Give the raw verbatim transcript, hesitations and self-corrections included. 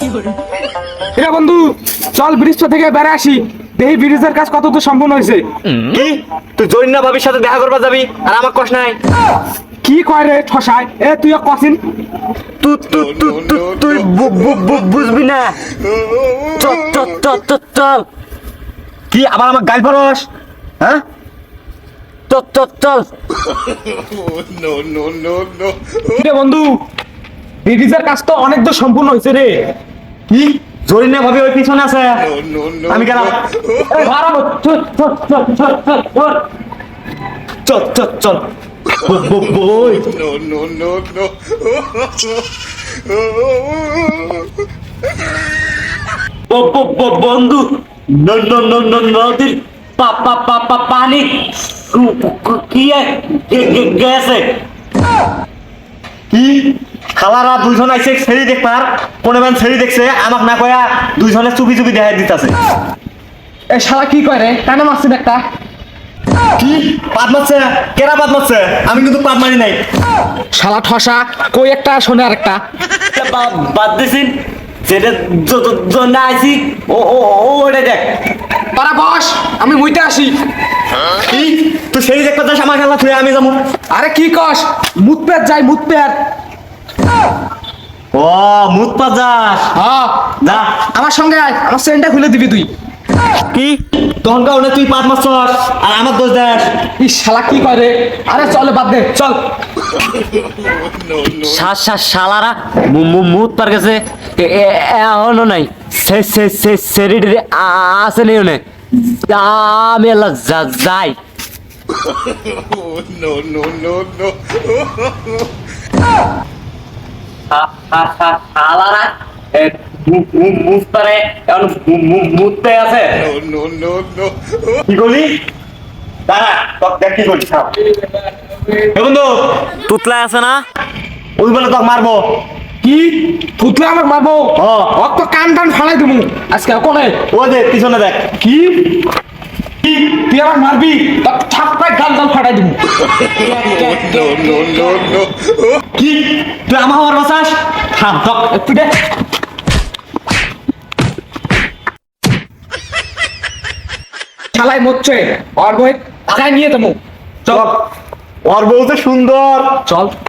এরা বন্ধু চল ব্রিজটা থেকে বেড়ে আসি, দেখি ব্রিজের কাজ কত তো সম্পূর্ণ হয়েছে। কি তুই জরিনা ভাবির সাথে দেখা করবা যাবি আর আমার কষ্ট নাই? কি কয় রে ঠসায়, এ তুই কছিন তুই তুই তুই তুই তুই বু- বু- বু- বুঝবি না। চল চল চল চল চল। কি আবার আমার গাল ফরস? হ্যাঁ চল চল চল। রে বন্ধু, ব্রিজের কাজ তো অনেক তো সম্পূর্ণ হয়েছে রে। কি জরিনা ভাবি ওই পিছনে আছে? আমি গেলাম। এ, ভাড়া বল, চল চল চল চল চল চল। চল চল চল। ব- ব- বই। ব- ব- ব- বন্ধু ন- ন- ন- ন- নদীর পা- পা- পা- পা- পানি কু- কু- কি এ- গে- গে- গেছে। কি খালারা দুইজন আইছে ছেড়ি দেখবার, কোন মান ছেড়ি দেখছে আমাক না কয়া দুইজনে চুপি চুপি দেখাই দিতাছে। এ শালা কি কয় রে, কেন মারছিস একটা? কি পাত মারছে? কেরা পাত মারছে? আমি কিন্তু পাত মারি নাই। শালা ঠসা, কই একটা শোনে আর একটা। বা- বাদ দিছিন যেটা জ- জ- জন্য আইছি ও ও ও ওটা দেখ। পারা বস, আমি মুইতে আসি। কি তুই সেই দেখতে যাস আমার খেলা তুই আমি যাবো? আরে কি কস, মুত পেট যাই মুত পেট। ও মুত পা যাস? হ্যাঁ, যা। আমার সঙ্গে আয়, আমার চেনটা খুলে দিবি তুই। কি তখন কাউনে তুই পাত মারছস আর আমার দোষ দেস? এই শালা কি করে? আরে চলে বাদ দে, চল। শালারা মুত পার গেছে এখনো নাই, আছে নেই ওনে। আমি আল্লাহ যা- যাই। শালারা মুত পারে এখন মুততে আছে। কি করলি? দাঁড়া তোর দেখ কি করছিস। এ বন্ধু তুতলা আছে না, ওই বলে তোকে মারবো। কি ফুটলে আমাকে মারবো? ও অত তো কান টান ফালাই দেবো আজকে কোনে। ও দে পিছনে দেখ। কি কি তুই আমাকে মারবি? তা ছাপ্পায় গাল গাল ফাটাই দেবো। কি তুই আমার আমার বাসাস? থাম তক একটু দে। শালাই মরছে, আর বই ভাগায় নিয়ে দেবো। চল ওর বউ তো সুন্দর। চল।